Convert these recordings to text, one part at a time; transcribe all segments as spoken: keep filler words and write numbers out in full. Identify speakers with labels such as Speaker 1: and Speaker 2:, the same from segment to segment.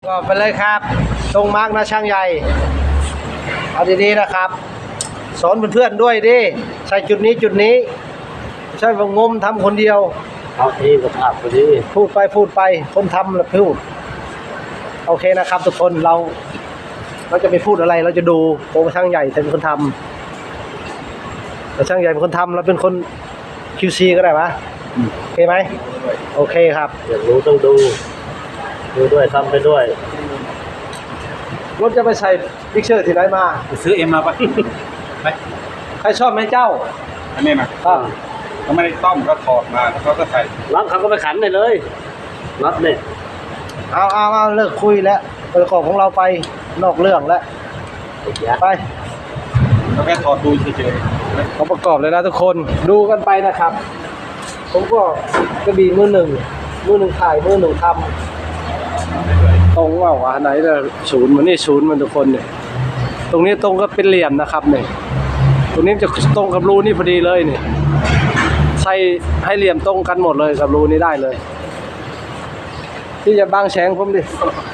Speaker 1: ก็ไปเลยครับตรงมาร์กนะช่างใหญ่เอาดีๆนะครับสอนเพื่อนๆด้วยดิใส่จุดนี้จุดนี้ใช่ว่างมทำคนเดียว
Speaker 2: เอาทีกับภาพพอดี
Speaker 1: พูดไปพูดไปคนทำแล้วพูดโอเคนะครับทุกคนเราเราจะไปพูดอะไรเราจะดูโอ้ช่างใหญ่เป็นคนทำแต่ช่างใหญ่เป็นคนทำเราเป็นคน คิว ซี ก็ได้ปะโอเคไหมโอเคครับ
Speaker 2: อยากรู้ต้องดูดูด้วยทำไปด้วย
Speaker 1: รถจะไปใส่พิกเชอร์ที่ไหนมา
Speaker 3: ซื้อเอ็มมาปะไป
Speaker 1: ใครชอบไหมเจ้า
Speaker 3: อันนี้นะก็เขาไม่ได้ต้มก็ถอดมาแล้วเขาก็ใส่
Speaker 2: รับเขาก็ไปขันเลยเลยรับเนี่ย
Speaker 1: เอาเอาเอาเลิกคุยแล้วประกอบของเราไปนอกเรื่องแล้วไป
Speaker 3: เราแค่ถอดดูเฉย
Speaker 1: ๆเขาประกอบเลยนะทุกคนดูกันไปนะครับผมก็กระบี่มือหนึ่งมือหนึ่งถ่ายมือหนึ่งทำตรงว่าวะไหนจะศูนย์มันนี่ศูนย์มันทุกคนเนี่ยตรงนี้ตรงก็เป็นเหลี่ยมนะครับเนี่ยตรงนี้จะตรงกับรูนี่พอดีเลยเนี่ยใส่ให้เหลี่ยมตรงกันหมดเลยกับรูนี้ได้เลยที่จะบังแฉงผมดิ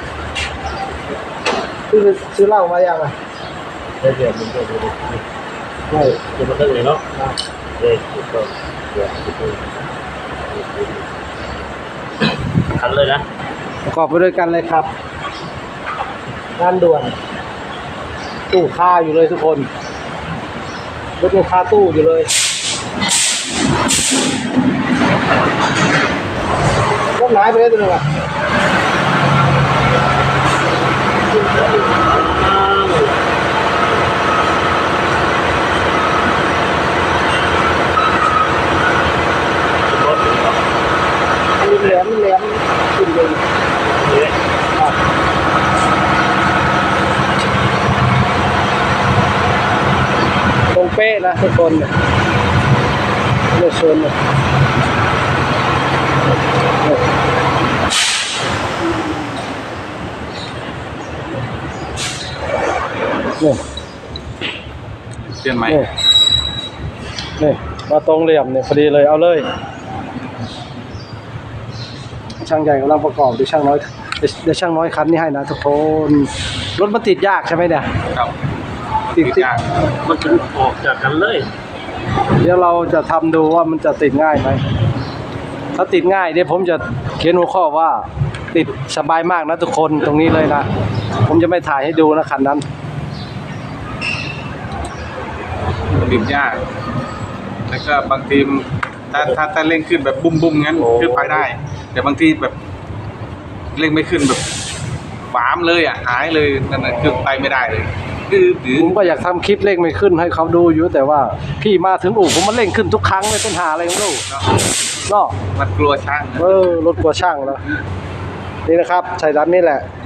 Speaker 1: ที่ซื้อเหล้ามาอย่างไร
Speaker 2: ได้เดี๋ยวมันจะดูไม่จะมาตั้งเลยเนาะเด็กก็เดี๋ยวขันเลยนะ
Speaker 1: ประกอบไปด้วยกันเลยครับงานด่วนตู้คาอยู่เลยทุกคนรถยังคาตู้อยู่เลยรถหายไปเลยตัวนึงอ่ะแหลมแหลมขึ้นเลยตรงเป๊ะนะทุกคนเนี่ยเลือกโซนเนี่ยเนี่ย
Speaker 3: เปลี่ยนไหม
Speaker 1: นี่มาตรงเหลี่ยมเนี่ยพอดีเลยเอาเลยช่างใหญ่กำลังประกอบดูช่างน้อยเดี๋ยวช่างน้อยคันนี้ให้นะทุกคนรถมันติดยากใช่ไหมเนี่ย
Speaker 3: ครับ
Speaker 1: ติด
Speaker 3: ยาก
Speaker 2: มันจะออกจากกันเลย
Speaker 1: เดี๋ยวเราจะทำดูว่ามันจะติดง่ายไหมถ้าติดง่ายเดี๋ยวผมจะเขียนหัวข้อว่าติดสบายมากนะทุกคนตรงนี้เลยนะผมจะไม่ถ่ายให้ดูนะคันนั้น
Speaker 3: ติดยากแล้วก็บางทีถ้าถ้าถ้าเร่งขึ้นแบบบุ้มบุ้มงั้นขึ้นไปได้แต่บางทีแบบเร่งไม่ขึ้นแบบหวามเลยอ่ะหายเลยนั่นแหละคือไปไม่ได้เลยคือ
Speaker 1: ผมก็อยากทำคลิปเร่งไม่ขึ้นให้เขาดูอยู่แต่ว่าพี่มาถึงอู่ผมมันเร่งขึ้นทุกครั้งเลยเป็นหาอะไรไม่รู้เนาะ
Speaker 3: มันกลัวช่าง
Speaker 1: เออรถกลัวช่างแล้วนี่นะครับใส่ด้านนี้แหละ